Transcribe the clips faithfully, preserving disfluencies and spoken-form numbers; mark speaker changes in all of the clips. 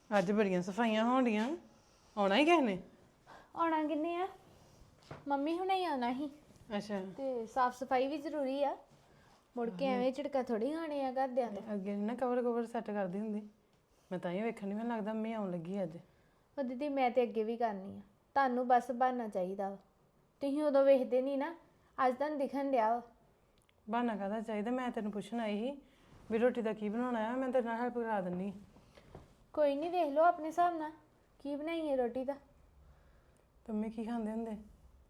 Speaker 1: ਅੱਜ ਬੜੀਆਂ ਸਫਾਈਆਂ ਹੋਣੀਆਂ ਆਉਣਾ ਹੀ ਕਿਸੇ ਨੇ
Speaker 2: ਆਉਣਾ ਕਿੰਨੇ ਆ ਮੰਮੀ ਹੁਣੇ ਹੀ ਆਉਣਾ ਸੀ
Speaker 1: ਅੱਛਾ
Speaker 2: ਤੇ ਸਾਫ ਸਫਾਈ ਵੀ ਜ਼ਰੂਰੀ ਆ ਮੁੜ ਕੇ ਐਵੇਂ ਝਟਕਾ ਥੋੜੀ ਖਾਣੇ ਆ ਘਰਦਿਆਂ ਦੇ
Speaker 1: ਅੱਗੇ ਨੀ ਨਾ ਕਵਰ ਕਵਰ ਸੈੱਟ ਕਰਦੀ ਹੁੰਦੀ ਮੈਂ ਤਾਂ ਹੀ ਵੇਖਣ ਨਹੀਂ ਮੈਨੂੰ ਲੱਗਦਾ ਮੈਂ ਆਉਣ ਲੱਗੀ ਅੱਜ
Speaker 2: ਉਹ ਦੀਦੀ ਮੈਂ ਤੇ ਅੱਗੇ ਵੀ ਕਰਨੀ ਆ ਤੁਹਾਨੂੰ ਬਸ ਬਹਾਨਾ ਚਾਹੀਦਾ ਵਾ ਤੁਸੀਂ ਉਦੋਂ ਵੇਖਦੇ ਨਹੀਂ ਨਾ ਅੱਜ ਤੁਹਾਨੂੰ ਦਿਖਣ ਡਿਆ ਵਾ
Speaker 1: ਬਹਾਨਾ ਕਾਹਦਾ ਚਾਹੀਦਾ ਮੈਂ ਤੈਨੂੰ ਪੁੱਛਣ ਆਈ ਸੀ ਵੀ ਰੋਟੀ ਦਾ ਕੀ ਬਣਾਉਣਾ ਆ ਮੈਂ ਤੇਰੇ ਨਾਲ ਹੈਲਪ ਕਰਾ ਦਿੰਨੀ
Speaker 2: ਕੋਈ ਨਹੀਂ ਵੇਖ ਲਓ ਆਪਣੇ ਹਿਸਾਬ ਨਾਲ ਕੀ ਬਣਾਈਏ ਰੋਟੀ ਦਾ
Speaker 1: ਪੰਮੀ ਕੀ ਖਾਂਦੇ ਹੁੰਦੇ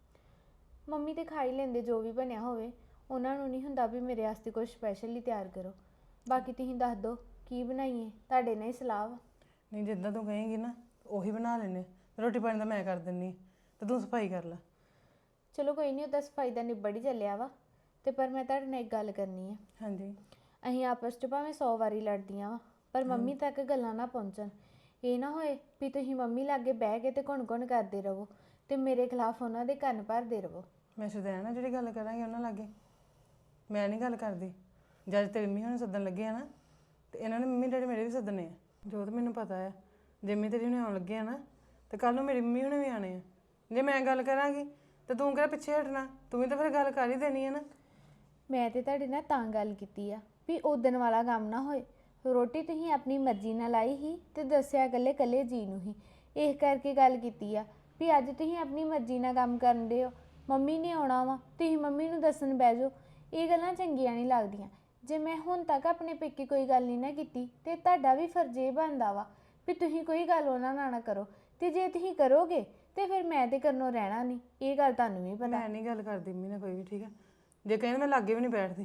Speaker 2: ਮੰਮੀ ਤੇ ਖਾ ਹੀ ਲੈਂਦੇ ਜੋ ਵੀ ਬਣਿਆ ਹੋਵੇ ਉਹਨਾਂ ਨੂੰ ਨਹੀਂ ਹੁੰਦਾ ਵੀ ਮੇਰੇ ਵਾਸਤੇ ਕੁਝ ਸਪੈਸ਼ਲ ਹੀ ਤਿਆਰ ਕਰੋ ਬਾਕੀ ਤੁਸੀਂ ਦੱਸ ਦਿਓ ਕੀ ਬਣਾਈਏ ਤੁਹਾਡੇ ਨਾਲ ਹੀ ਸਲਾਹ ਵਾ
Speaker 1: ਨਹੀਂ ਜਿੱਦਾਂ ਤੂੰ ਕਹੇਂਗੀ ਨਾ ਉਹੀ ਬਣਾ ਲੈਨੇ ਰੋਟੀ ਪਾਣੀ ਦਾ ਮੈਂ ਕਰ ਦਿੰਨੀ ਤੇ ਤੂੰ ਸਫਾਈ ਕਰ ਲੈ
Speaker 2: ਚਲੋ ਕੋਈ ਨਹੀਂ ਉਹਦਾ ਸਫਾਈ ਦਾ ਨਿਬੜ ਹੀ ਚੱਲਿਆ ਵਾ ਤੇ ਪਰ ਮੈਂ ਤੁਹਾਡੇ ਨਾਲ ਇੱਕ ਗੱਲ ਕਰਨੀ ਆ
Speaker 1: ਹਾਂਜੀ
Speaker 2: ਅਸੀਂ ਆਪਸ 'ਚ ਭਾਵੇਂ ਸੌ ਵਾਰੀ ਲੜਦੀਆਂ ਵਾ ਪਰ ਮੰਮੀ ਤੱਕ ਗੱਲਾਂ ਨਾ ਪਹੁੰਚਣ ਇਹ ਨਾ ਹੋਏ ਵੀ ਤੁਸੀਂ ਮੰਮੀ ਲਾਗੇ ਬਹਿ ਕੇ ਤੇ ਘੁਣ ਘੁਣ ਕਰਦੇ ਰਹੋ ਤੇ ਮੇਰੇ ਖਿਲਾਫ ਉਹਨਾਂ ਦੇ ਕੰਨ ਭਰਦੇ ਰਹੋ
Speaker 1: ਮੈਂ ਸ਼ੁਦੈਣ ਨਾ ਜਿਹੜੀ ਗੱਲ ਕਰਾਂਗੀ ਉਹਨਾਂ ਲਾਗੇ ਮੈਂ ਨਹੀਂ ਗੱਲ ਕਰਦੀ ਜਦ ਤੇਰੀ ਮੰਮੀ ਹੁਣ ਸੱਦਣ ਲੱਗੇ ਆ ਨਾ ਤੇ ਇਹਨਾਂ ਨੇ ਮੰਮੀ ਡੈਡੀ ਮੇਰੇ ਵੀ ਸੱਦਣੇ ਆ ਜੋ ਤਾਂ ਮੈਨੂੰ ਪਤਾ ਆ ਜਿੰਮੀ ਤੇਰੀ ਹੁਣੇ ਆਉਣ ਲੱਗੇ ਆ ਨਾ ਤੇ ਕੱਲ ਨੂੰ ਮੇਰੀ ਮੰਮੀ ਹੁਣੇ ਵੀ ਆਣੇ ਆ ਜੇ ਮੈਂ ਗੱਲ ਕਰਾਂਗੀ ਤੇ ਤੂੰ ਕਿਹੜਾ ਪਿੱਛੇ ਹਟਣਾ ਤੂੰ ਵੀ ਤਾਂ ਫਿਰ ਗੱਲ ਕਰ ਹੀ ਦੇਣੀ ਹੈ ਨਾ
Speaker 2: ਮੈਂ ਤੇ ਤੁਹਾਡੇ ਨਾਲ ਤਾਂ ਗੱਲ ਕੀਤੀ ਆ ਵੀ ਉਦਣ ਵਾਲਾ ਕੰਮ ਨਾ ਹੋਏ ਰੋਟੀ ਤੁਸੀਂ ਆਪਣੀ ਮਰਜ਼ੀ ਨਾਲ ਲਾਈ ਹੀ ਤੇ ਦੱਸਿਆ ਇਕੱਲੇ ਇਕੱਲੇ ਜੀ ਨੂੰ ਹੀ ਇਸ ਕਰਕੇ ਗੱਲ ਕੀਤੀ ਆ ਵੀ ਅੱਜ ਤੁਸੀਂ ਆਪਣੀ ਮਰਜ਼ੀ ਨਾਲ ਕੰਮ ਕਰਨ ਦੇ ਹੋ ਮੰਮੀ ਨੇ ਆਉਣਾ ਵਾ ਤੁਸੀਂ ਮੰਮੀ ਨੂੰ ਦੱਸਣ ਬਹਿ ਜਾਓ ਇਹ ਗੱਲਾਂ ਚੰਗੀਆਂ ਨਹੀਂ ਲੱਗਦੀਆਂ ਜੇ ਮੈਂ ਹੁਣ ਤੱਕ ਆਪਣੇ ਪੇਕੇ ਕੋਈ ਗੱਲ ਨਹੀਂ ਨਾ ਕੀਤੀ ਤੇ ਤੁਹਾਡਾ ਵੀ ਫਰਜ਼ ਇਹ ਬਣਦਾ ਵਾ ਵੀ ਤੁਸੀਂ ਕੋਈ ਗੱਲ ਉਹਨਾਂ ਨਾਲ ਨਾ ਕਰੋ ਤੇ ਜੇ ਤੁਸੀਂ ਕਰੋਗੇ ਤੇ ਫਿਰ ਮੈਂ ਤੇ ਕਰਨੋਂ ਰਹਿਣਾ ਨਹੀਂ ਇਹ ਗੱਲ ਤੁਹਾਨੂੰ ਵੀ ਪਤਾ
Speaker 1: ਮੈਂ ਨਹੀਂ ਗੱਲ ਕਰਦੀ ਮੰਮੀ ਨਾਲ ਕੋਈ ਵੀ ਠੀਕ ਆ ਜੇ ਕਹਿੰਦੇ ਮੈਂ ਲਾਗੇ ਵੀ ਨਹੀਂ ਬੈਠਦੀ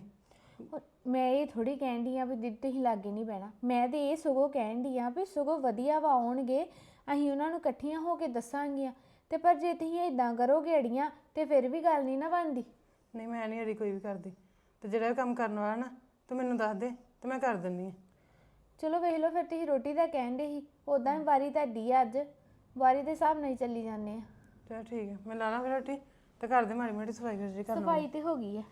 Speaker 2: ਮੈਂ ਇਹ ਥੋੜੀ ਕਹਿਣ ਡਈ ਆ ਵੀ ਦੀਦੀ ਤੁਸੀਂ ਲਾਗੇ ਨਹੀਂ ਬਹਿਣਾ ਮੈਂ ਤੇ ਇਹ ਸਗੋਂ ਕਹਿਣ ਡਈ ਆ ਵੀ ਸਗੋਂ ਵਧੀਆ ਵਾ ਆਉਣਗੇ ਅਸੀਂ ਉਹਨਾਂ ਨੂੰ ਇਕੱਠੀਆਂ ਹੋ ਕੇ ਦੱਸਾਂਗੀਆਂ ਤੇ ਪਰ ਜੇ ਤੁਸੀਂ ਇਦਾਂ ਕਰੋਗੇ ਅੜੀਆਂ ਤੇ ਫਿਰ ਵੀ ਗੱਲ ਨਹੀਂ ਨਾ ਬਣਦੀ
Speaker 1: ਨਹੀਂ ਮੈਂ ਨਹੀਂ ਅੜੀ ਕੋਈ ਵੀ ਕਰਦੀ ਤੇ ਜਿਹੜਾ ਕੰਮ ਕਰਨ ਵਾਲਾ ਨਾ ਤੂੰ ਮੈਨੂੰ ਦੱਸ ਦੇ ਤੇ ਮੈਂ ਕਰ ਦਿੰਦੀ ਹਾਂ
Speaker 2: ਚਲੋ ਵੇਖ ਲਓ ਫਿਰ ਤੁਸੀਂ ਰੋਟੀ ਦਾ ਕਹਿਣ ਦੇ ਸੀ ਉਦਾਂ ਵੀ ਵਾਰੀ ਤੁਹਾਡੀ ਆ ਅੱਜ ਵਾਰੀ ਦੇ ਹਿਸਾਬ ਨਾਲ ਹੀ ਚੱਲੀ ਜਾਂਦੇ ਆ
Speaker 1: ਚਲ ਠੀਕ ਹੈ ਮੈਂ ਲਾ ਲਾਂ ਫਿਰ ਰੋਟੀ ਤੇ ਘਰ ਦੇ ਮਾੜੀ ਮਾੜੀ ਸਫਾਈ ਜੀ ਕਰਨਾ
Speaker 2: ਸਫਾਈ ਤੇ ਹੋ ਗਈ ਆ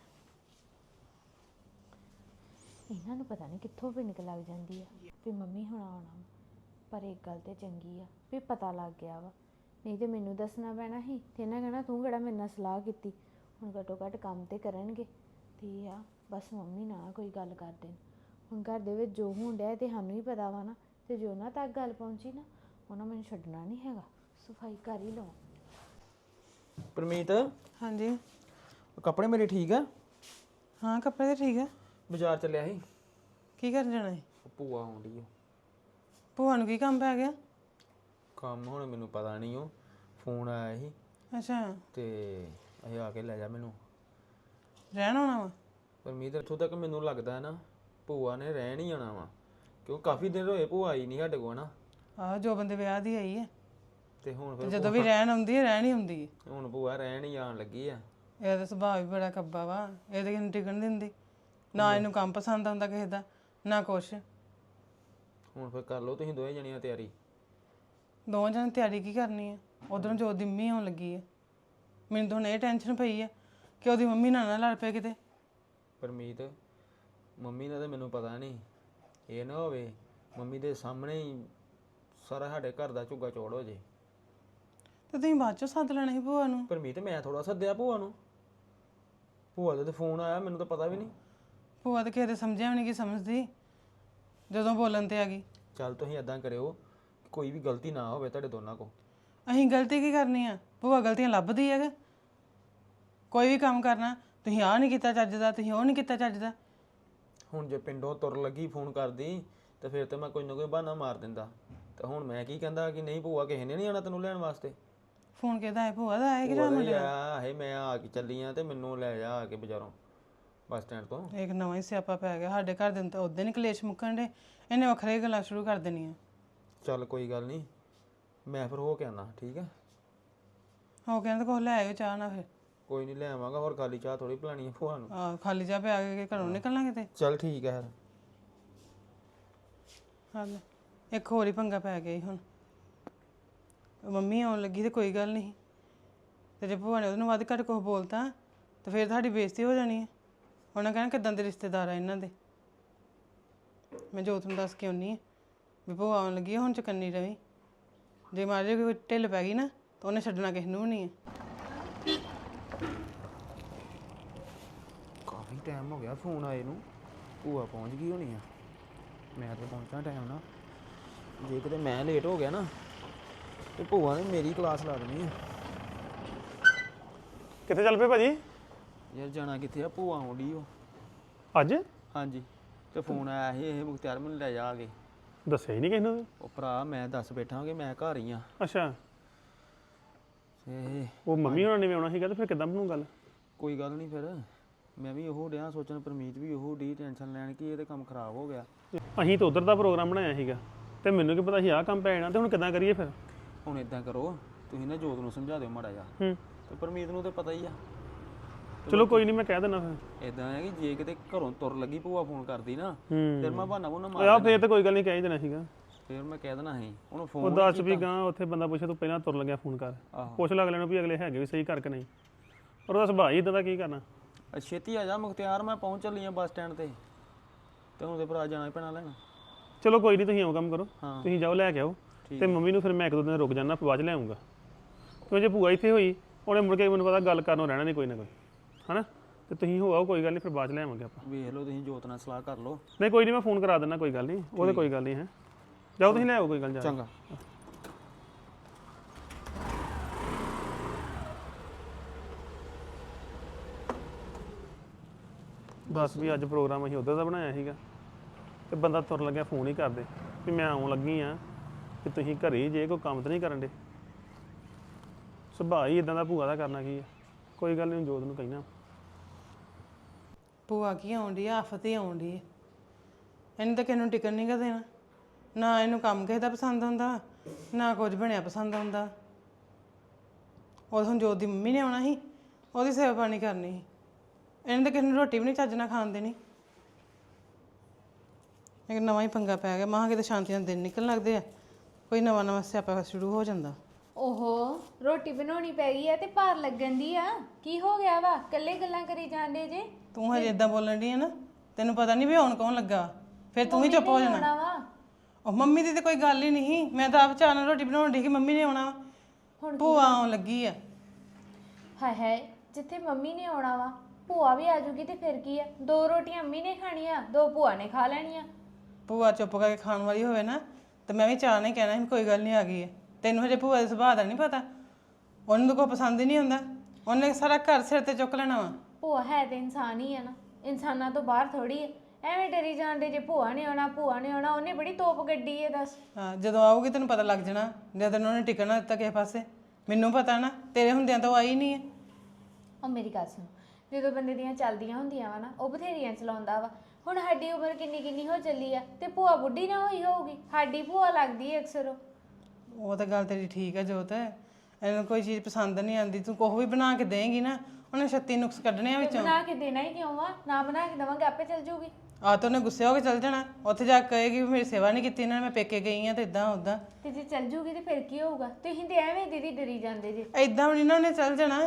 Speaker 2: ਇਹਨਾਂ ਨੂੰ ਪਤਾ ਨਹੀਂ ਕਿੱਥੋਂ ਪਿੰਨਕ ਲੱਗ ਜਾਂਦੀ ਆ ਵੀ ਮੰਮੀ ਹੁਣ ਆਉਣਾ ਪਰ ਇੱਕ ਗੱਲ ਤੇ ਚੰਗੀ ਆ ਵੀ ਪਤਾ ਲੱਗ ਗਿਆ ਵਾ ਨਹੀਂ ਤੇ ਮੈਨੂੰ ਦੱਸਣਾ ਪੈਣਾ ਸੀ ਤੇ ਇਹਨਾਂ ਕਹਿਣਾ ਤੂੰ ਕਿਹੜਾ ਮੇਰੇ ਨਾਲ ਸਲਾਹ ਕੀਤੀ ਹੁਣ ਘੱਟੋ ਘੱਟ ਕੰਮ ਤੇ ਕਰਨਗੇ ਤੇ ਆ ਬਸ ਮੰਮੀ ਨਾ ਕੋਈ ਗੱਲ ਕਰ ਦੇਣ ਹੁਣ ਘਰ ਦੇ ਵਿੱਚ ਜੋ ਹੋਣ ਡਿਆ ਤੇ ਸਾਨੂੰ ਹੀ ਪਤਾ ਵਾ ਨਾ ਤੇ ਜੋ ਉਹਨਾਂ ਤੱਕ ਗੱਲ ਪਹੁੰਚੀ ਨਾ ਉਹਨਾਂ ਮੈਨੂੰ ਛੱਡਣਾ ਨਹੀਂ ਹੈਗਾ ਸਫਾਈ ਕਰ ਹੀ ਲਵਾਂ
Speaker 3: ਪਰਮੀਤ
Speaker 1: ਹਾਂਜੀ
Speaker 3: ਕੱਪੜੇ ਮੇਰੇ ਠੀਕ ਆ
Speaker 1: ਹਾਂ ਕੱਪੜੇ ਤਾਂ ਠੀਕ ਆ
Speaker 3: ਬਾਜ਼ਾਰ ਚੱਲਿਆ ਸੀ
Speaker 1: ਕੀ ਕਰਨ ਜਾਣਾ ਹੈ
Speaker 3: ਉਹ ਭੂਆ ਆਉਂਦੀ ਆ
Speaker 1: ਭੂਆ ਨੂੰ ਕੀ ਕੰਮ ਪੈ ਗਿਆ
Speaker 3: ਕੰਮ ਹੁਣ ਮੈਨੂੰ ਪਤਾ ਨਹੀਂ ਉਹ ਫੋਨ ਆਇਆ ਸੀ
Speaker 1: ਅੱਛਾ
Speaker 3: ਤੇ ਇਹ ਆ ਕੇ ਲੈ ਜਾ ਮੈਨੂੰ
Speaker 1: ਰਹਿਣ ਆਉਣਾ ਵਾ
Speaker 3: ਪਰਮੀਤ ਇੱਥੋਂ ਤੱਕ ਮੈਨੂੰ ਲੱਗਦਾ ਹੈ ਨਾ ਭੂਆ ਨੇ ਰਹਿਣ ਹੀ ਆਉਣਾ ਵਾ ਕਿਉਂ ਕਾਫੀ ਦਿਨ ਹੋਏ ਭੂਆ ਆਈ ਨਹੀਂ ਸਾਡੇ ਕੋਲ ਨਾ
Speaker 1: ਆਹ ਜੋ ਬੰਦੇ ਵਿਆਹ ਦੀ ਆਈ ਹੈ
Speaker 3: ਤੇ ਹੁਣ
Speaker 1: ਤੇ
Speaker 3: ਫਿਰ
Speaker 1: ਜਦੋਂ ਵੀ ਰਹਿਣ ਆਉਂਦੀ ਹੈ ਰਹਿਣ ਹੀ ਹੁੰਦੀ ਹੈ
Speaker 3: ਹੁਣ ਭੂਆ ਰਹਿਣ ਹੀ ਆਉਣ ਲੱਗੀ ਆ
Speaker 1: ਇਹਦਾ ਸੁਭਾਅ ਵੀ ਬੜਾ ਕੱਬਾ ਵਾ ਇਹਦੇ ਕਿਨ ਟਿਕਣ ਦਿੰਦੀ ਨਾ ਇਹਨੂੰ ਕੰਮ ਪਸੰਦ ਆਉਂਦਾ ਕਿਸੇ ਦਾ ਨਾ ਕੁਛ
Speaker 3: ਹੁਣ ਫਿਰ ਕਰ ਲਓ ਤੁਸੀਂ ਦੋਵੇਂ ਜਣੀਆਂ ਤਿਆਰੀ
Speaker 1: ਦੋਵਾਂ ਜਣ ਤਿਆਰੀ ਕੀ ਕਰਨੀ ਹੈ ਉਧਰੋਂ ਜੋ ਦਿਮੀ ਆਉਣ ਲੱਗੀ ਹੈ ਮੈਨੂੰ ਤਾਂ ਹੁਣ ਇਹ ਟੈਨਸ਼ਨ ਪਈ ਹੈ ਕਿ ਉਹਦੀ ਮੰਮੀ ਨਾਲ ਨਾ ਲੜ ਪਏ ਕਿਤੇ
Speaker 3: ਪਰਮੀਤ ਮੰਮੀ ਦਾ ਤਾਂ ਮੈਨੂੰ ਪਤਾ ਨਹੀਂ ਇਹ ਨਾ ਹੋਵੇ ਮੰਮੀ ਦੇ ਸਾਹਮਣੇ ਹੀ ਸਾਰਾ ਸਾਡੇ ਘਰ ਦਾ ਝੁੱਗਾ ਚੋੜ ਹੋ ਜੇ
Speaker 1: ਤੇ ਤੁਸੀਂ ਬਾਅਦ ਚੋਂ ਸੱਦ ਲੈਣਾ ਸੀ ਭੂਆ ਨੂੰ
Speaker 3: ਪਰਮੀਤ ਮੈਂ ਥੋੜਾ ਸੱਦਿਆ ਭੂਆ ਨੂੰ ਭੂਆ ਦਾ ਤੇ ਫੋਨ ਆਇਆ ਮੈਨੂੰ ਤਾਂ ਪਤਾ ਵੀ ਨਹੀਂ
Speaker 1: ਭੂਆ ਤਾਂ ਕਿਸੇ ਦੇ ਸਮਝਿਆ ਵੀ ਨਹੀਂ ਕੀ ਸਮਝਦੀ ਜਦੋਂ ਬੋਲਣ ਤੇ ਆ ਗਈ
Speaker 3: ਚੱਲ ਤੁਸੀਂ ਇਦਾਂ ਕਰਿਓ ਕੋਈ ਵੀ ਗਲਤੀ ਨਾ ਹੋਵੇ ਤੁਹਾਡੇ ਦੋਨਾਂ ਕੋਲ
Speaker 1: ਅਸੀਂ ਗਲਤੀ ਕੀ ਕਰਨੀ ਆ ਭੂਆ ਗਲਤੀਆਂ ਲੱਭਦੀ ਹੈਗਾ ਕੋਈ ਵੀ ਕੰਮ ਕਰਨਾ ਤੁਸੀਂ ਆਹ ਨਹੀਂ ਕੀਤਾ ਚੱਜ ਦਾ ਤੁਸੀਂ ਉਹ ਨਹੀਂ ਕੀਤਾ ਚੱਜ ਦਾ
Speaker 3: ਹੁਣ ਜੇ ਪਿੰਡੋਂ ਤੁਰ ਲੱਗੀ ਫੋਨ ਕਰਦੀ ਤੇ ਫਿਰ ਤੇ ਮੈਂ ਕੋਈ ਨਾ ਕੋਈ ਬਹਾਨਾ ਮਾਰ ਦਿੰਦਾ ਤੇ ਹੁਣ ਮੈਂ ਕੀ ਕਹਿੰਦਾ ਕਿ ਨਹੀਂ ਭੂਆ ਕਿਸੇ ਨੇ ਨਹੀਂ ਆਣਾ ਤੈਨੂੰ ਲੈਣ ਵਾਸਤੇ
Speaker 1: ਫੋਨ ਕਿਹਦਾ ਹੈ ਭੂਆ ਦਾ ਹੈ ਕਿ
Speaker 3: ਭੂਆ ਦਾ ਹੀ ਆਇਆ ਹੈ ਮੈਂ ਆ ਕੇ ਚੱਲੀ ਆ ਤੇ ਮੈਨੂੰ ਲੈ ਜਾ ਆ ਕੇ ਬਾਜ਼ਾਰੋਂ ਬੱਸ ਸਟੈਂਡ ਤੋਂ
Speaker 1: ਇੱਕ ਨਵਾਂ ਹੀ ਸਿਆਪਾ ਪੈ ਗਿਆ ਸਾਡੇ ਘਰ ਦੇ ਨੂੰ ਤਾਂ ਉਦੋਂ ਹੀ ਕਲੇਸ਼ ਮੁੱਕਣ ਦੇ ਇਹਨੇ ਵੱਖਰੇ ਗੱਲਾਂ ਸ਼ੁਰੂ ਕਰ ਦੇਣੀਆਂ
Speaker 3: ਚੱਲ ਕੋਈ ਗੱਲ ਨਹੀਂ ਮੈਂ ਫਿਰ ਹੋ ਕੇ ਆਉਣਾ ਠੀਕ ਹੈ
Speaker 1: ਹੋ ਕਹਿੰਦੇ ਕੋਲ ਲੈ ਆਇਓ ਚਾਹ ਨਾ ਫਿਰ
Speaker 3: ਕੋਈ ਨਹੀਂ ਲੈ ਆਵਾਂਗਾ ਹੋਰ ਖਾਲੀ ਚਾਹ ਥੋੜੀ ਪਿਲਾਣੀ ਹੈ ਭੂਆ ਨੂੰ
Speaker 1: ਆਹ ਖਾਲੀ ਚਾਹ ਪਿਆ ਕੇ ਘਰੋਂ ਨਿਕਲਣਾ ਕਿਤੇ
Speaker 3: ਚੱਲ ਠੀਕ ਹੈ ਫਿਰ
Speaker 1: ਹਾਂ ਇੱਕ ਹੋਰ ਹੀ ਪੰਗਾ ਪੈ ਗਿਆ ਈ ਹੁਣ ਮੰਮੀ ਆਉਣ ਲੱਗੀ ਤੇ ਕੋਈ ਗੱਲ ਨਹੀਂ ਤੇ ਜੇ ਭੂਆ ਨੇ ਉਹਨੂੰ ਵੱਧ ਘੱਟ ਕੁਛ ਬੋਲਤਾ ਤੇ ਫਿਰ ਤੁਹਾਡੀ ਬੇਇੱਜ਼ਤੀ ਹੋ ਜਾਣੀ ਹੈ ਉਹਨਾਂ ਕਹਿਣਾ ਕਿੱਦਾਂ ਦੇ ਰਿਸ਼ਤੇਦਾਰ ਆ ਇਹਨਾਂ ਦੇ ਮੈਂ ਜੋਤ ਨੂੰ ਦੱਸ ਕੇ ਆਉਣੀ ਹੈ ਵੀ ਭੂਆ ਆਉਣ ਲੱਗੀ ਆ, ਹੁਣ ਚੁਕੰਨੀ ਰਵੀ। ਜੇ ਮਾਰੇ ਕੋਈ ਢਿੱਲ ਪੈ ਗਈ ਨਾ ਤਾਂ ਉਹਨੇ ਛੱਡਣਾ ਕਿਸੇ ਨੂੰ ਵੀ ਨਹੀਂ ਹੈ।
Speaker 3: ਕਾਫੀ ਟਾਈਮ ਹੋ ਗਿਆ ਫੋਨ ਆਏ ਨੂੰ, ਭੂਆ ਪਹੁੰਚ ਗਈ ਹੋਣੀ ਆ। ਮੈਂ ਤਾਂ ਪਹੁੰਚਾਂ ਟਾਈਮ ਨਾਲ, ਜੇ ਕਿਤੇ ਮੈਂ ਲੇਟ ਹੋ ਗਿਆ ਨਾ ਤੇ ਭੂਆ ਨੇ ਮੇਰੀ ਕਲਾਸ ਲਾ ਦੇਣੀ ਆ।
Speaker 4: ਕਿੱਥੇ ਚੱਲ ਪਏ ਭਾਜੀ?
Speaker 3: ਯਾਰ ਜਾਣਾ ਕਿੱਥੇ ਆ, ਭੂਆ ਆਉਂਦੀ ਉਹ।
Speaker 4: ਅੱਜ
Speaker 3: ਹਾਂਜੀ, ਤੇ ਫੋਨ ਆਇਆ ਸੀ ਇਹ ਮੁਖਤਿਆਰ ਮੈਨੂੰ ਲੈ ਜਾ ਕੇ।
Speaker 4: ਦੱਸਿਆ ਹੀ ਨਹੀਂ ਕਿਸੇ ਨੂੰ।
Speaker 3: ਉਹ ਭਰਾ ਮੈਂ ਦੱਸ ਬੈਠਾ ਕਿ ਮੈਂ ਘਰ ਹੀ ਆ।
Speaker 4: ਅੱਛਾ,
Speaker 3: ਤੇ
Speaker 4: ਉਹ ਮੰਮੀ ਹੋਣਾ ਨੇ ਵੀ ਆਉਣਾ ਸੀਗਾ ਤੇ ਫਿਰ ਕਿੱਦਾਂ ਬਣੂ ਗੱਲ?
Speaker 3: ਕੋਈ ਗੱਲ ਨਹੀਂ, ਫਿਰ ਮੈਂ ਵੀ ਉਹ ਡਿਆ ਸੋਚਣ, ਪਰਮੀਤ ਵੀ ਉਹ ਡੀ ਟੈਨਸ਼ਨ ਲੈਣ ਕਿ ਇਹ ਤੇ ਕੰਮ ਖਰਾਬ ਹੋ ਗਿਆ।
Speaker 4: ਅਸੀਂ ਤਾਂ ਉਧਰ ਦਾ ਪ੍ਰੋਗਰਾਮ ਬਣਾਇਆ ਸੀਗਾ ਤੇ ਮੈਨੂੰ ਕੀ ਪਤਾ ਸੀ ਆਹ ਕੰਮ ਪੈ ਜਾਣਾ, ਤੇ ਹੁਣ ਕਿੱਦਾਂ ਕਰੀਏ ਫਿਰ?
Speaker 3: ਹੁਣ ਇਦਾਂ ਕਰੋ, ਤੁਸੀਂ ਨਾ ਜੋਤ ਨੂੰ ਸਮਝਾ ਦਿਓ ਮਾੜਾ ਜਿਹਾ,
Speaker 4: ਹੂੰ,
Speaker 3: ਤੇ ਪਰਮੀਤ ਨੂੰ ਤੇ ਪਤਾ ਹੀ ਆ।
Speaker 4: ਚਲੋ ਕੋਈ ਨਹੀਂ, ਮੈਂ ਕਹਿ ਦਿੰਦਾ ਫਿਰ।
Speaker 3: ਇਦਾਂ ਹੈ ਕਿ ਜੇ ਕਿਤੇ ਘਰੋਂ ਤੁਰ ਲੱਗੀ ਭੂਆ ਫੋਨ ਕਰਦੀ ਨਾ,
Speaker 4: ਹੂੰ,
Speaker 3: ਫਿਰ ਮੈਂ ਬਹਾਨਾ ਬੁਨਾ
Speaker 4: ਆ
Speaker 3: ਮਾਰ
Speaker 4: ਫੇਰ ਤਾਂ ਕੋਈ ਗੱਲ ਨਹੀਂ, ਕਹਿ ਹੀ ਦੇਣਾ ਸੀਗਾ।
Speaker 3: ਫਿਰ ਮੈਂ ਕਹਿ ਦੇਣਾ ਸੀ ਉਹਨੂੰ
Speaker 4: ਉਹ
Speaker 3: ਫੋਨ
Speaker 4: ਦੱਸ ਵੀ ਗਾਂ ਉੱਥੇ ਬੰਦਾ ਪੁੱਛੇ ਤੂੰ ਪਹਿਲਾਂ ਤੁਰ ਲੱਗਿਆ ਫੋਨ ਕਰ,
Speaker 3: ਆਹੋ।
Speaker 4: ਪੁੱਛ ਲੱਗ ਲੈਣਾ ਵੀ ਅਗਲੇ ਹੈਗੇ ਵੀ ਸਹੀ ਕਰਕੇ ਨਹੀਂ। ਔਰ ਉਹਦਾ ਸੁਭਾਅ ਹੀ ਇਦਾਂ ਦਾ, ਕੀ ਕਰਨਾ।
Speaker 3: ਛੇਤੀ ਆ ਜਾ ਮੁਖਤਿਆਰ, ਮੈਂ ਪਹੁੰਚ ਚੱਲੀ ਆ ਬੱਸ ਸਟੈਂਡ ਤੇ, ਤੇ ਹੁਣ ਤੇ ਭਰਾ ਜਾਣਾ ਹੀ ਪੈਣਾ ਲੈਣ।
Speaker 4: ਚਲੋ ਕੋਈ ਨਹੀਂ, ਤੁਸੀਂ ਆਓ ਕੰਮ ਕਰੋ,
Speaker 3: ਹਾਂ।
Speaker 4: ਤੁਸੀਂ ਜਾਓ ਲੈ ਕੇ ਆਓ, ਤੇ ਮੰਮੀ ਨੂੰ ਫਿਰ ਮੈਂ ਇੱਕ ਦੋ ਦਿਨ ਰੁਕ ਜਾਣਾ, ਬਾਅਦ ਚ ਲੈ ਆਉਂਗਾ। ਕਿਉਂ ਜੇ ਭੂਆ ਇੱਥੇ ਹੋਈ ਉਹਨੇ ਮੁੜ ਕੇ ਮੈਨੂੰ ਪਤਾ ਗੱਲ ਕਰਨੋਂ ਰਹਿਣਾ ਨਹੀਂ ਕੋਈ ਨਾ ਕੋਈ, ਹਨਾ। ਤੇ ਤੁਸੀਂ ਹੋ ਆਓ, ਕੋਈ ਗੱਲ ਨਹੀਂ, ਫਿਰ ਬਾਅਦ ਚ ਲੈ ਆਵਾਂਗੇ ਆਪਾਂ।
Speaker 3: ਵੇਖ ਲਓ ਤੁਸੀਂ ਜੋਤ ਨਾਲ ਸਲਾਹ ਕਰ ਲਓ।
Speaker 4: ਨਹੀਂ ਕੋਈ ਨਹੀਂ, ਮੈਂ ਫੋਨ ਕਰਾ ਦਿੰਦਾ, ਕੋਈ ਗੱਲ ਨਹੀਂ, ਉਹਦੇ ਕੋਈ ਗੱਲ ਨਹੀਂ ਹੈ। ਜਾਓ ਤੁਸੀਂ ਲੈ ਆਓ, ਕੋਈ ਗੱਲ ਜਾ।
Speaker 3: ਚੰਗਾ।
Speaker 4: ਬਸ ਵੀ ਅੱਜ ਪ੍ਰੋਗਰਾਮ ਅਸੀਂ ਉੱਧਰ ਦਾ ਬਣਾਇਆ ਸੀਗਾ, ਤੇ ਬੰਦਾ ਤੁਰਨ ਲੱਗਿਆ ਫੋਨ ਹੀ ਕਰਦੇ ਵੀ ਮੈਂ ਆਉਣ ਲੱਗੀ ਆ, ਕਿ ਤੁਸੀਂ ਘਰੇ ਜੇ ਕੋਈ ਕੰਮ ਤਾਂ ਨਹੀਂ ਕਰਨ ਦੇ। ਸੁਭਾਅ ਹੀ ਇਦਾਂ ਦਾ, ਭੂਆ ਦਾ ਕਰਨਾ ਕੀ ਹੈ। ਕੋਈ ਗੱਲ ਨਹੀਂ, ਜੋਤ ਨੂੰ ਕਹਿਣਾ।
Speaker 1: ਭੂਆ ਕੀ ਆਉਂਦੀ ਆ, ਆਫਤ ਹੀ ਆਉਂਦੀ ਹੈ। ਇਹਨੂੰ ਤਾਂ ਕਿਸੇ ਨੂੰ ਟਿਕਣ ਨਹੀਂ ਗਾ ਦੇਣਾ, ਨਾ ਇਹਨੂੰ ਕੰਮ ਕਿਸੇ ਦਾ ਪਸੰਦ ਆਉਂਦਾ, ਨਾ ਕੁਝ ਬਣਿਆ ਪਸੰਦ ਆਉਂਦਾ। ਉਹ ਹੁਣ ਜੋਤ ਦੀ ਮੰਮੀ ਨੇ ਆਉਣਾ ਸੀ, ਉਹਦੀ ਸੇਵਾ ਪਾਣੀ ਕਰਨੀ ਸੀ। ਇਹਨੇ ਤਾਂ ਕਿਸੇ ਨੂੰ ਰੋਟੀ ਵੀ ਨਹੀਂ ਚੱਜ ਨਾਲ ਖਾਣ ਦੇਣੀ। ਇੱਕ ਨਵਾਂ ਹੀ ਪੰਗਾ ਪੈ ਗਿਆ, ਮਾਂ ਕਿਤੇ ਸ਼ਾਂਤੀ ਨਾਲ ਦਿਨ ਨਿਕਲਣ ਲੱਗਦੇ ਆ, ਕੋਈ ਨਵਾਂ ਨਵਾਂ ਸਿਆਪਾ ਸ਼ੁਰੂ ਹੋ ਜਾਂਦਾ।
Speaker 2: ਓਹੋ, ਰੋਟੀ ਬਣਾਉਣੀ ਪੈ ਗਈ ਆ ਤੇ ਭਾਰ ਲੱਗਣ ਦੀ ਆ। ਕੀ ਹੋ ਗਿਆ ਵਾ? ਕੱਲੇ ਗੱਲਾਂ ਕਰੀ ਜਾਂਦੇ ਜੇ।
Speaker 1: ਤੂੰ ਹਜੇ ਇਦਾਂ ਬੋਲਣ ਦੀ ਹੈ ਨਾ, ਤੈਨੂੰ ਪਤਾ ਨਹੀਂ ਵੀ ਆਉਣ ਕੌਣ ਲੱਗਾ, ਫਿਰ ਤੂੰ ਵੀ ਚੁੱਪ ਹੋ ਜਾਣਾ।
Speaker 2: ਆਉਣਾ ਵਾ
Speaker 1: ਉਹ ਮੰਮੀ ਦੀ ਤੇ ਕੋਈ ਗੱਲ ਹੀ ਨਹੀਂ, ਮੈਂ ਤਾਂ ਆਪ ਚਾਹ ਨਾਲ ਰੋਟੀ ਬਣਾਉਣ ਦੀ ਕਿ ਮੰਮੀ ਨੇ ਆਉਣਾ ਵਾ।
Speaker 2: ਹੁਣ
Speaker 1: ਭੂਆ ਆਉਣ ਲੱਗੀ ਆ।
Speaker 2: ਹਾਏ ਹਾਏ, ਜਿੱਥੇ ਮੰਮੀ ਨੇ ਆਉਣਾ ਵਾ ਭੂਆ ਵੀ ਆ ਜੂਗੀ ਤੇ ਫਿਰ ਕੀ ਆ? ਦੋ ਰੋਟੀਆਂ ਮੰਮੀ ਨੇ ਖਾਣੀਆਂ, ਦੋ ਭੂਆ ਨੇ ਖਾ ਲੈਣੀਆਂ।
Speaker 1: ਭੂਆ ਚੁੱਪ ਕਰਕੇ ਖਾਣ ਵਾਲੀ ਹੋਵੇ ਨਾ, ਤੇ ਮੈਂ ਵੀ ਚਾਹ ਨਹੀਂ ਕਹਿਣਾ ਸੀ ਕੋਈ ਗੱਲ ਨਹੀਂ ਆ ਗਈ ਹੈ। ਤੈਨੂੰ ਹਜੇ ਭੂਆ ਦੇ ਸੁਭਾਅ ਦਾ ਨਹੀਂ ਪਤਾ, ਉਹਨੂੰ ਤਾਂ ਕੋਈ ਪਸੰਦ ਹੀ ਨਹੀਂ ਹੁੰਦਾ, ਉਹਨੇ ਸਾਰਾ ਘਰ ਸਿਰ ਤੇ ਚੁੱਕ ਲੈਣਾ ਵਾ।
Speaker 2: ਭੂਆ ਹੈ ਤੇ ਇਨਸਾਨ ਹੀ ਆ ਨਾ, ਇਨਸਾਨਾਂ ਤੋਂ ਬਾਹਰ ਥੋੜੀ ਹੈ। ਐਵੇਂ ਡਰੀ ਜਾਂਦੇ ਜੇ ਭੂਆ ਨੇ ਆਉਣਾ, ਭੂਆ ਨੇ ਆਉਣਾ। ਉਹਨੇ ਬੜੀ ਤੋਪ ਗੱਡੀ ਹੈ, ਦੱਸ।
Speaker 1: ਹਾਂ, ਜਦੋਂ ਆਊਗੀ ਤੈਨੂੰ ਪਤਾ ਲੱਗ ਜਾਣਾ, ਜਦ ਤੈਨੂੰ ਉਹਨੇ ਟਿਕਣਾ ਦਿੱਤਾ ਕਿਸੇ ਪਾਸੇ। ਮੈਨੂੰ ਪਤਾ ਨਾ, ਤੇਰੇ ਹੁੰਦਿਆਂ ਤਾਂ ਉਹ ਆਈ ਨਹੀਂ ਹੈ।
Speaker 2: ਉਹ ਮੇਰੀ ਗੱਲ ਸੁਣ, ਜਦੋਂ ਬੰਦੇ ਦੀਆਂ ਚੱਲਦੀਆਂ ਹੁੰਦੀਆਂ ਵਾ ਨਾ, ਉਹ ਬਥੇਰੀਆਂ ਚਲਾਉਂਦਾ ਵਾ। ਹੁਣ ਸਾਡੀ ਉਮਰ ਕਿੰਨੀ ਕਿੰਨੀ ਹੋ ਚੱਲੀ ਆ, ਤੇ ਭੂਆ ਬੁੱਢੀ ਨਾ ਹੋਈ ਹੋਊਗੀ। ਸਾਡੀ ਭੂਆ ਲੱਗਦੀ ਹੈ ਅਕਸਰ।
Speaker 1: ਉਹ ਤਾਂ ਗੱਲ ਤੇਰੀ ਠੀਕ ਹੈ ਜੋਤ, ਇਹਨੂੰ ਕੋਈ ਚੀਜ਼ ਪਸੰਦ ਨਹੀਂ ਆਉਂਦੀ, ਤੂੰ ਕੁਛ ਵੀ ਬਣਾ ਕੇ ਦੇਂਗੀ ਨਾ, ਉਹਨੇ ਛੱਤੀ ਨੁਕਸ ਕੱਢਣੇ ਆ ਵਿੱਚੋਂ।
Speaker 2: ਬਣਾ ਕੇ ਦੇਣਾ ਹੀ ਕਿਉਂ ਵਾ? ਨਾ ਬਣਾ ਕੇ ਦੇਵਾਂਗੇ ਆਪੇ ਚੱਲ ਜੂਗੀ।
Speaker 1: ਆ ਤਾਂ ਉਹਨੇ ਗੁੱਸੇ ਹੋ ਕੇ ਚੱਲ ਜਾਣਾ, ਉੱਥੇ ਜਾ ਕੇ ਕਹੇਗੀ ਵੀ ਮੇਰੀ ਸੇਵਾ ਨਹੀਂ ਕੀਤੀ ਇਹਨਾਂ ਨੇ, ਮੈਂ ਪੇਕੇ ਗਈ ਆ ਤੇ ਇਦਾਂ ਉਦਾਂ।
Speaker 2: ਤੇ ਜੇ ਚੱਲ ਜੂਗੀ ਤੇ ਫਿਰ ਕੀ ਹੋਊਗਾ? ਤੁਸੀਂ ਤੇ ਐਵੇਂ ਦੀਦੀ ਡਰੀ ਜਾਂਦੇ ਜੇ।
Speaker 1: ਇਦਾਂ ਵੀ ਇਹਨਾਂ ਨੇ ਚੱਲ ਜਾਣਾ,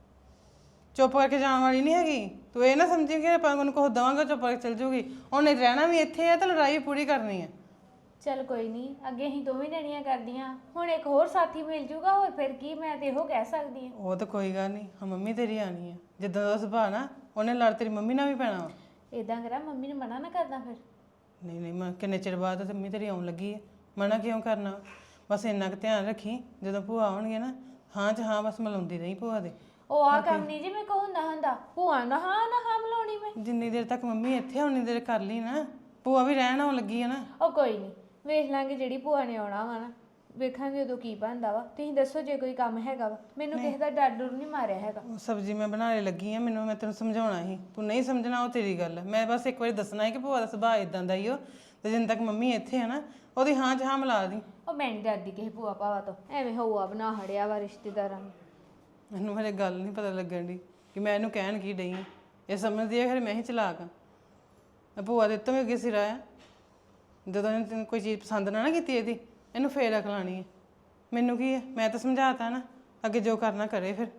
Speaker 1: ਚੁੱਪ ਕਰਕੇ ਜਾਣ ਵਾਲੀ ਨਹੀਂ ਹੈਗੀ। ਤੂੰ ਇਹ ਨਾ ਸਮਝੀ ਕਿ ਆਪਾਂ ਉਹਨੂੰ ਕੁਝ ਦੇਵਾਂਗੇ ਚੁੱਪ ਕਰਕੇ ਚੱਲ ਜੂਗੀ। ਉਹਨੇ ਰਹਿਣਾ ਵੀ ਇੱਥੇ ਆ ਤੇ ਲੜਾਈ ਪੂਰੀ ਕਰਨੀ ਆ।
Speaker 2: ਚੱਲ ਕੋਈ ਨਹੀਂ, ਅੱਗੇ ਅਸੀਂ ਦੋਵੇਂ ਜਣੀਆਂ ਕਰਦੀਆਂ, ਹੁਣ ਇੱਕ ਹੋਰ ਸਾਥੀ ਮਿਲ ਜੂਗਾ, ਹੋਰ ਫਿਰ ਕੀ? ਮੈਂ ਤੇ ਇਹੋ ਕਹਿ ਸਕਦੀ ਹਾਂ।
Speaker 1: ਉਹ ਤਾਂ ਕੋਈ ਗੱਲ ਨਹੀਂ, ਹਾਂ ਮੰਮੀ ਤੇਰੀ ਆਣੀ ਆ, ਜਿੱਦਾਂ ਦਾ ਸੁਭਾਅ ਨਾ ਉਹਨੇ ਲੜ ਤੇਰੀ ਮੰਮੀ ਨਾਲ ਵੀ ਪੈਣਾ ਵਾ।
Speaker 2: ਇਦਾਂ ਕਰਾਂ ਮੰਮੀ ਨੂੰ ਮਨਾ ਨਾ ਕਰਦਾ ਫਿਰ?
Speaker 1: ਨਹੀਂ ਨਹੀਂ, ਮੈਂ ਕਿੰਨੇ ਚਿਰ ਬਾਅਦ ਤੇ ਮੰਮੀ ਤੇਰੀ ਆਉਣ ਲੱਗੀ ਹੈ, ਮਨਾ ਕਿਉਂ ਕਰਨਾ? ਬਸ ਇੰਨਾ ਕੁ ਧਿਆਨ ਰੱਖੀ, ਜਦੋਂ ਭੂਆ ਆਉਣਗੇ ਨਾ, ਹਾਂ ਚ ਹਾਂ ਬਸ ਮਿਲਾਉਂਦੀ ਰਹੀ ਭੂਆ ਦੇ।
Speaker 2: ਉਹ ਆ ਕੰਮ ਨਹੀਂ ਜੀ ਮੇਰੇ ਕੋਲ ਹੁੰਦਾ ਹੁੰਦਾ। ਭੂਆ ਨਾ ਹਾਂ ਨਾ ਹਾਂ ਮਿਲਾਉਣੀ ਮੈਂ।
Speaker 1: ਜਿੰਨੀ ਦੇਰ ਤੱਕ ਮੰਮੀ ਇੱਥੇ ਆ ਉਨੀ ਦੇਰ ਕਰ ਲਈ ਨਾ, ਭੂਆ ਵੀ ਰਹਿਣ ਆਉਣ ਲੱਗੀ ਆ ਨਾ।
Speaker 2: ਉਹ ਕੋਈ ਨਹੀਂ, ਵੇਖ ਲਾਂਗੇ ਜਿਹੜੀ ਭੂਆ ਨੇ ਆਉਣਾ ਵਾ ਨਾ, ਵੇਖਾਂਗੇ ਉਦੋਂ ਕੀ ਬਣਦਾ ਵਾ। ਤੁਸੀਂ ਦੱਸੋ ਜੇ ਕੋਈ ਕੰਮ ਹੈਗਾ ਵਾ, ਮੈਨੂੰ ਕਿਸੇ ਦਾ ਡਰ ਡਰ ਨਹੀਂ ਮਾਰਿਆ ਹੈਗਾ।
Speaker 1: ਉਹ ਸਬਜ਼ੀ ਮੈਂ ਬਣਾਉਣ ਲੱਗੀ ਆ, ਮੈਨੂੰ ਮੈਂ ਤੈਨੂੰ ਸਮਝਾਉਣਾ ਸੀ, ਤੂੰ ਨਹੀਂ ਸਮਝਣਾ ਉਹ ਤੇਰੀ ਗੱਲ ਹੈ। ਮੈਂ ਬਸ ਇੱਕ ਵਾਰੀ ਦੱਸਣਾ ਹੈ ਕਿ ਭੂਆ ਦਾ ਸੁਭਾਅ ਇਦਾਂ ਦਾ ਹੀ ਉਹ, ਤੇ ਜਿੰਨ ਤੱਕ ਮੰਮੀ ਇੱਥੇ ਆ ਨਾ, ਉਹਦੀ ਹਾਂ ਚ ਹਾਂ ਮਿਲਾ ਦੀ।
Speaker 2: ਉਹ ਮੈਂ ਨਹੀਂ ਡਰਦੀ ਕਿਸੇ ਭੂਆ ਭਾਵਾ ਤੋਂ, ਐਵੇਂ ਹਊਆ ਬਣਾ ਹੜਿਆ ਵਾ ਰਿਸ਼ਤੇਦਾਰਾਂ ਨੂੰ।
Speaker 1: ਮੈਨੂੰ ਹਲੇ ਗੱਲ ਨਹੀਂ ਪਤਾ ਲੱਗਣ ਦੀ ਕਿ ਮੈਂ ਇਹਨੂੰ ਕਹਿਣ ਕੀ ਡਈ ਹਾਂ। ਇਹ ਸਮਝਦੀ ਹੈ ਖਰੇ ਮੈਂ ਹੀ ਚਲਾਕ ਹਾਂ। ਭੂਆ ਦੇ ਤੋਂ ਵੀ ਅੱਗੇ ਸਿਰਾ ਆ, ਜਦੋਂ ਇਹਨੇ ਤੈਨੂੰ ਕੋਈ ਚੀਜ਼ ਪਸੰਦ ਨਾ ਨਾ ਕੀਤੀ ਇਹਦੀ, ਇਹਨੂੰ ਫੇਰ ਅਕਲ ਆਉਣੀ ਹੈ। ਮੈਨੂੰ ਕੀ ਹੈ, ਮੈਂ ਤਾਂ ਸਮਝਾਤਾ ਨਾ, ਅੱਗੇ ਜੋ ਕਰਨਾ ਕਰੇ ਫਿਰ।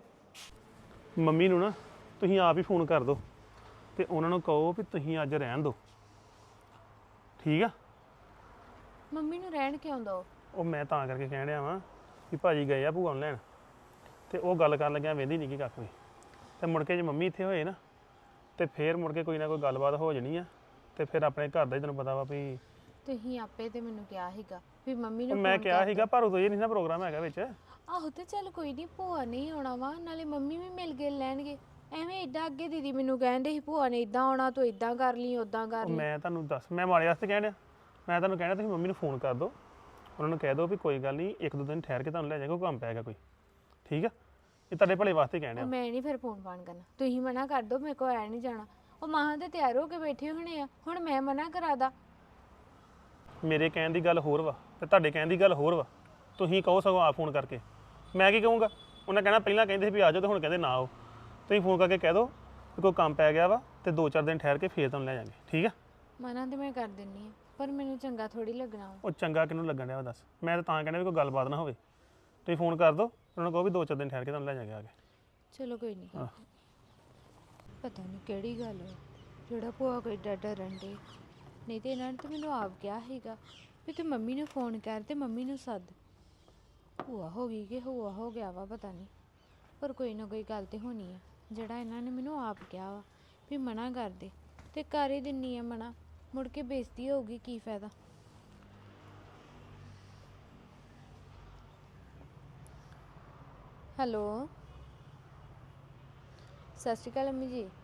Speaker 4: ਮੰਮੀ ਨੂੰ ਨਾ ਤੁਸੀਂ ਆਪ ਹੀ ਫੋਨ ਕਰ ਦਿਓ ਤੇ ਉਹਨਾਂ ਨੂੰ ਕਹੋ ਵੀ ਤੁਸੀਂ ਅੱਜ ਰਹਿਣ ਦਿਓ, ਠੀਕ ਆ?
Speaker 2: ਮੰਮੀ ਨੂੰ ਰਹਿਣ ਕਿਉਂ ਦੋ?
Speaker 4: ਉਹ ਮੈਂ ਤਾਂ ਕਰਕੇ ਕਹਿਣ ਡਿਆ ਵਾਂ ਵੀ ਭਾਜੀ ਗਏ ਆ ਭੂਆ ਨੂੰ ਲੈਣ ਤੇ ਉਹ ਗੱਲ ਕਰਨ ਲੱਗਿਆ ਵੇਂਦੀ ਨਹੀਂ ਕੀ ਕੱਖ ਵੀ ਤੇ ਮੁੜ ਕੇ ਜੇ ਮੰਮੀ ਇੱਥੇ ਹੋਏ ਨਾ ਤੇ ਫੇਰ ਮੁੜ ਕੇ ਕੋਈ ਨਾ ਕੋਈ ਗੱਲਬਾਤ ਹੋ ਜਾਣੀ ਆ ਤੇ ਫਿਰ ਆਪਣੇ ਘਰ ਦਾ ਹੀ ਤੈਨੂੰ ਪਤਾ ਵਾ ਵੀ
Speaker 2: ਤੁਸੀਂ ਆਪੇ ਤੇ ਮੈਨੂੰ ਕਿਹਾ ਸੀਗਾ ਵੀ ਮੰਮੀ
Speaker 4: ਉਹ
Speaker 2: ਨੂੰ
Speaker 4: ਮੈਂ
Speaker 2: phone
Speaker 4: ਕਿਹਾ
Speaker 2: ਕਰ
Speaker 4: ਸੀਗਾ ਪਰ ਉਦੋਂ ਇਹ ਨਹੀਂ ਨਾ ਪ੍ਰੋਗਰਾਮ ਹੈਗਾ ਵਿੱਚ
Speaker 2: ਆਹੋ ਤੇ ਚੱਲ ਕੋਈ ਨਹੀਂ, ਭੂਆ ਨਹੀਂ ਆਉਣਾ ਵਾ, ਨਾਲੇ ਮੰਮੀ ਵੀ ਮਿਲ ਕੇ ਲੈਣਗੇ। ਐਵੇਂ ਏਦਾਂ ਅੱਗੇ ਦੀਦੀ ਮੈਨੂੰ ਕਹਿੰਦੇ ਸੀ ਭੂਆ ਨੇ ਇਦਾਂ ਆਉਣਾ, ਤੂੰ ਇਦਾਂ ਕਰ ਲਈ ਉਦਾਂ ਕਰ
Speaker 4: ਉਹ
Speaker 2: ਲਈ।
Speaker 4: ਮੈਂ ਤੁਹਾਨੂੰ ਦੱਸ ਮੈਂ ਮਾੜੇ ਵਾਸਤੇ ਕਹਿਣ ਡਿਆ ਮੈਂ ਤੁਹਾਨੂੰ ਕਹਿਣਾ ਤੁਸੀਂ ਮੰਮੀ ਨੂੰ ਫੋਨ ਕਰ ਦਿਓ ਉਹਨਾਂ ਨੂੰ ਕਹਿ ਦਿਓ ਵੀ ਕੋਈ ਗੱਲ ਨਹੀਂ ਇੱਕ ਦੋ ਦਿਨ ਠਹਿਰ ਕੇ ਤੁਹਾਨੂੰ ਲੈ ਜਾਏਗਾ ਕੋਈ ਕੰਮ ਪੈ ਗਿਆ ਕੋਈ ਠੀਕ ਆ ਇਹ ਤੁਹਾਡੇ ਭਲੇ ਵਾਸਤੇ ਕਹਿਣ ਡਿਆ
Speaker 2: ਉਹ ਮੈਂ ਨਹੀਂ ਫਿਰ ਫੋਨ ਫਾਨ ਕਰਨਾ, ਤੁਸੀਂ ਮਨਾ ਕਰ ਦਿਓ, ਮੇਰੇ ਕੋਲ ਐ ਨਹੀਂ ਜਾਣਾ। ਉਹ ਮਾਂ ਤੇ ਤਿਆਰ ਹੋ ਕੇ ਬੈਠੇ ਹੋਣੇ ਆ, ਹੁਣ ਮੈਂ ਮਨਾ ਕਰਾਦਾ?
Speaker 4: ਮੇਰੇ ਕਹਿਣ ਦੀ ਗੱਲ ਹੋਰ ਵਾ ਤੇ ਤੁਹਾਡੇ ਕਹਿਣ ਦੀ ਗੱਲ ਹੋਰ ਵਾ ਤੁਸੀਂ ਕਹੋ ਸਗੋਂ ਆ ਫੋਨ ਕਰਕੇ ਮੈਂ ਕੀ ਕਹੂੰਗਾ ਉਹਨਾਂ ਕਹਿਣਾ ਪਹਿਲਾਂ ਕਹਿੰਦੇ ਸੀ ਵੀ ਆ ਜਾਓ ਤੇ ਹੁਣ ਕਹਿੰਦੇ ਨਾ ਆਓ ਤੁਸੀਂ ਫੋਨ ਕਰਕੇ ਕਹਿ ਦਿਓ ਕਿ ਕੋਈ ਕੰਮ ਪੈ ਗਿਆ ਵਾ ਤੇ ਦੋ ਚਾਰ ਦਿਨ ਠਹਿਰ ਕੇ ਫੇਰ ਤੁਹਾਨੂੰ ਲੈ ਜਾਵਾਂਗੇ ਠੀਕ ਆ
Speaker 2: ਮਨਾ ਤੇ ਮੈਂ ਕਰ ਦਿੰਨੀ ਆ, ਪਰ ਮੈਨੂੰ ਚੰਗਾ ਥੋੜੀ ਲੱਗਣਾ ਵਾ।
Speaker 4: ਉਹ ਚੰਗਾ ਕਿਹਨੂੰ ਲੱਗਣ ਡਿਆ ਵਾ ਦੱਸ ਮੈਂ ਤਾਂ ਤਾਂ ਕਹਿੰਦਾ ਵੀ ਕੋਈ ਗੱਲਬਾਤ ਨਾ ਹੋਵੇ ਤੁਸੀਂ ਫੋਨ ਕਰ ਦਿਓ ਉਹਨਾਂ ਨੂੰ ਕਹੋ ਵੀ ਦੋ ਚਾਰ ਦਿਨ ਠਹਿਰ ਕੇ ਤੁਹਾਨੂੰ ਲੈ ਜਾਵਾਂਗੇ ਆ ਕੇ
Speaker 2: ਚਲੋ ਕੋਈ ਨਹੀਂ।
Speaker 4: ਆਹ।
Speaker 2: ਪਤਾ ਨਹੀਂ ਕਿਹੜੀ ਗੱਲ ਹੈ ਜਿਹੜਾ ਭੂਆ ਕੋਈ ਡਰ ਡਰਨ ਦੇ, ਨਹੀਂ ਤੇ ਇਹਨਾਂ ਨੇ ਤਾਂ ਮੈਨੂੰ ਆਪ ਕਿਹਾ ਸੀਗਾ ਵੀ ਤੂੰ ਮੰਮੀ ਨੂੰ ਫੋਨ ਕਰ ਤੇ ਮੰਮੀ ਨੂੰ ਸੱਦ। ਭੂਆ ਹੋ ਗਈ ਕਿ ਭੂਆ ਹੋ ਗਿਆ ਵਾ ਪਤਾ ਨਹੀਂ, ਪਰ ਕੋਈ ਨਾ ਕੋਈ ਗੱਲ ਤੇ ਹੋਣੀ ਆ। ਜਿਹੜਾ ਇਹਨਾਂ ਨੇ ਮੈਨੂੰ ਆਪ ਕਿਹਾ ਵਾ ਵੀ ਮਨਾ ਕਰ ਦੇ ਤੇ ਕਰ ਹੀ ਦਿੰਨੀ ਆ ਮਨਾ, ਮੁੜ ਕੇ ਬੇਇੱਜ਼ਤੀ ਹੋਊਗੀ, ਕੀ ਫਾਇਦਾ। ਹੈਲੋ, ਸਤਿ ਸ਼੍ਰੀ ਅਕਾਲ ਅੰਮੀ ਜੀ।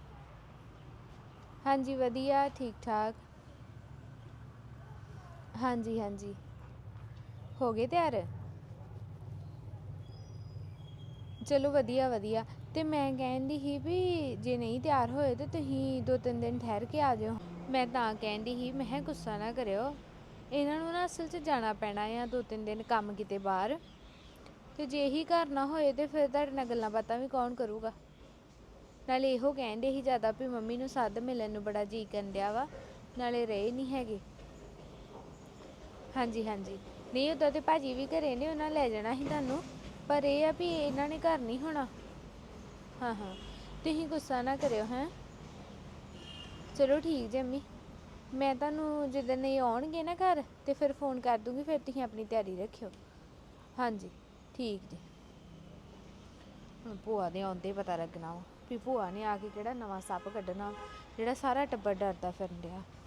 Speaker 2: ਹਾਂਜੀ ਵਧੀਆ, ਠੀਕ ਠਾਕ। ਹਾਂਜੀ ਹਾਂਜੀ, ਹੋ ਗਏ ਤਿਆਰ? ਚਲੋ ਵਧੀਆ ਵਧੀਆ। ਤੇ ਮੈਂ ਕਹਿੰਦੀ ਸੀ ਵੀ ਜੇ ਨਹੀਂ ਤਿਆਰ ਹੋਏ ਤਾਂ ਤੁਸੀਂ ਦੋ ਤਿੰਨ ਦਿਨ ਠਹਿਰ ਕੇ ਆ ਜਾਓ। ਮੈਂ ਤਾਂ ਕਹਿੰਦੀ ਸੀ, ਮੈਂ ਕਿਹਾ ਗੁੱਸਾ ਨਾ ਕਰਿਓ, ਇਹਨਾਂ ਨੂੰ ਨਾ ਅਸਲ 'ਚ ਜਾਣਾ ਪੈਣਾ ਆ ਦੋ ਤਿੰਨ ਦਿਨ ਕੰਮ ਕਿਤੇ ਬਾਹਰ, ਤੇ ਜੇ ਇਹੀ ਘਰ ਨਾ ਹੋਏ ਤੇ ਫਿਰ ਤੁਹਾਡੇ ਨਾਲ ਗੱਲਾਂ ਬਾਤਾਂ ਵੀ ਕੌਣ ਕਰੂਗਾ। ਨਾਲੇ ਇਹੋ ਕਹਿੰਦੇ ਸੀ ਜ਼ਿਆਦਾ ਵੀ ਮੰਮੀ ਨੂੰ ਸੱਦ, ਮਿਲਣ ਨੂੰ ਬੜਾ ਜੀਅ ਕਰਨ ਡਿਆ ਵਾ, ਨਾਲੇ ਰਹੇ ਨਹੀਂ ਹੈਗੇ। ਹਾਂਜੀ ਹਾਂਜੀ, ਨਹੀਂ ਉੱਦਾਂ ਤੇ ਭਾਜੀ ਵੀ ਘਰੇ ਨੇ, ਉਹਨਾਂ ਲੈ ਜਾਣਾ ਸੀ ਤੁਹਾਨੂੰ, ਪਰ ਇਹ ਆ ਵੀ ਇਹਨਾਂ ਨੇ ਘਰ ਨਹੀਂ ਹੋਣਾ। ਹਾਂ ਹਾਂ, ਤੁਸੀਂ ਗੁੱਸਾ ਨਾ ਕਰਿਓ ਹੈਂ। ਚਲੋ ਠੀਕ ਜੀ ਅੰਮੀ, ਮੈਂ ਤੁਹਾਨੂੰ ਜਿੱਦਣ ਨਹੀਂ ਆਉਣਗੇ ਨਾ ਘਰ ਤੇ ਫਿਰ ਫੋਨ ਕਰ ਦੂੰਗੀ, ਫਿਰ ਤੁਸੀਂ ਆਪਣੀ ਤਿਆਰੀ ਰੱਖਿਓ। ਹਾਂਜੀ ਠੀਕ ਜੀ। ਹੁਣ ਭੂਆ ਦੇ ਆਉਂਦੇ ਪਤਾ ਲੱਗਣਾ ਵਾ ਵੀ ਭੂਆ ਨੇ ਆ ਕੇ ਕਿਹੜਾ ਨਵਾਂ ਸੱਪ ਕੱਢਣਾ ਜਿਹੜਾ ਸਾਰਾ ਟੱਬਰ ਡਰਦਾ ਫਿਰਨ ਡਿਆ।